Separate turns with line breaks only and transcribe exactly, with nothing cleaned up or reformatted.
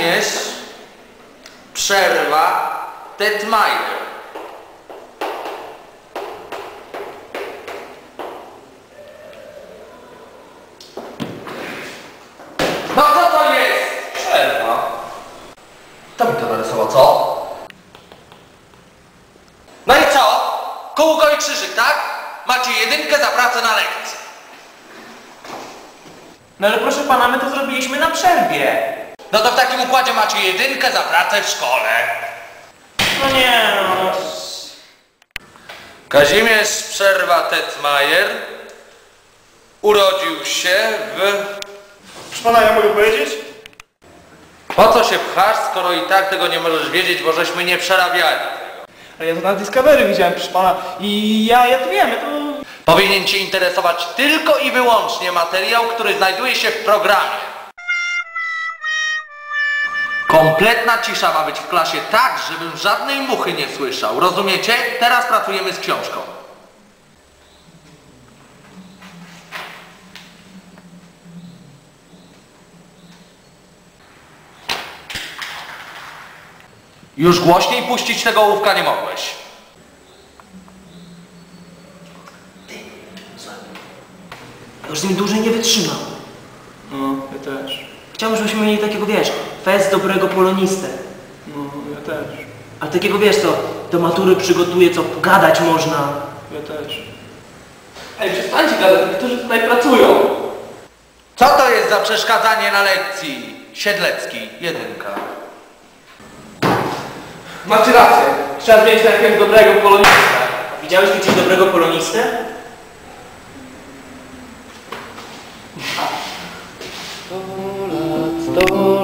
Kazimierz Przerwa Tetmajer. No co to jest?
Przerwa.
To mi to narysował, co? No i co? Kółko i krzyżyk, tak? Macie jedynkę za pracę na lekcji.
No ale proszę pana, my to zrobiliśmy na przerwie.
No to w takim układzie macie jedynkę za pracę w szkole.
No nie no.
Kazimierz Przerwa Tetmajer urodził się w...
Proszę pana, ja mogę powiedzieć?
Po co się pchasz, skoro i tak tego nie możesz wiedzieć, bo żeśmy nie przerabiali.
Ale ja to na Discovery widziałem, proszę pana. I ja, ja to wiem, ja to...
Powinien cię interesować tylko i wyłącznie materiał, który znajduje się w programie. Kompletna cisza ma być w klasie tak, żebym żadnej muchy nie słyszał. Rozumiecie? Teraz pracujemy z książką. Już głośniej puścić tego ołówka nie mogłeś.
Już z nim dłużej nie wytrzymam.
No, ja też.
Chciałbym, żebyśmy mieli takiego, wiesz, fest dobrego polonistę.
No, ja też.
A takiego, wiesz co, do matury przygotuje, co pogadać można.
Ja też. Ej, przestańcie gadać, niektórzy tutaj pracują.
Co to jest za przeszkadzanie na lekcji? Siedlecki, jedynka.
Macie rację. Trzeba zmienić na jakiegoś dobrego polonista.
Widziałeś gdzieś dobrego polonistę?
Sto lat, sto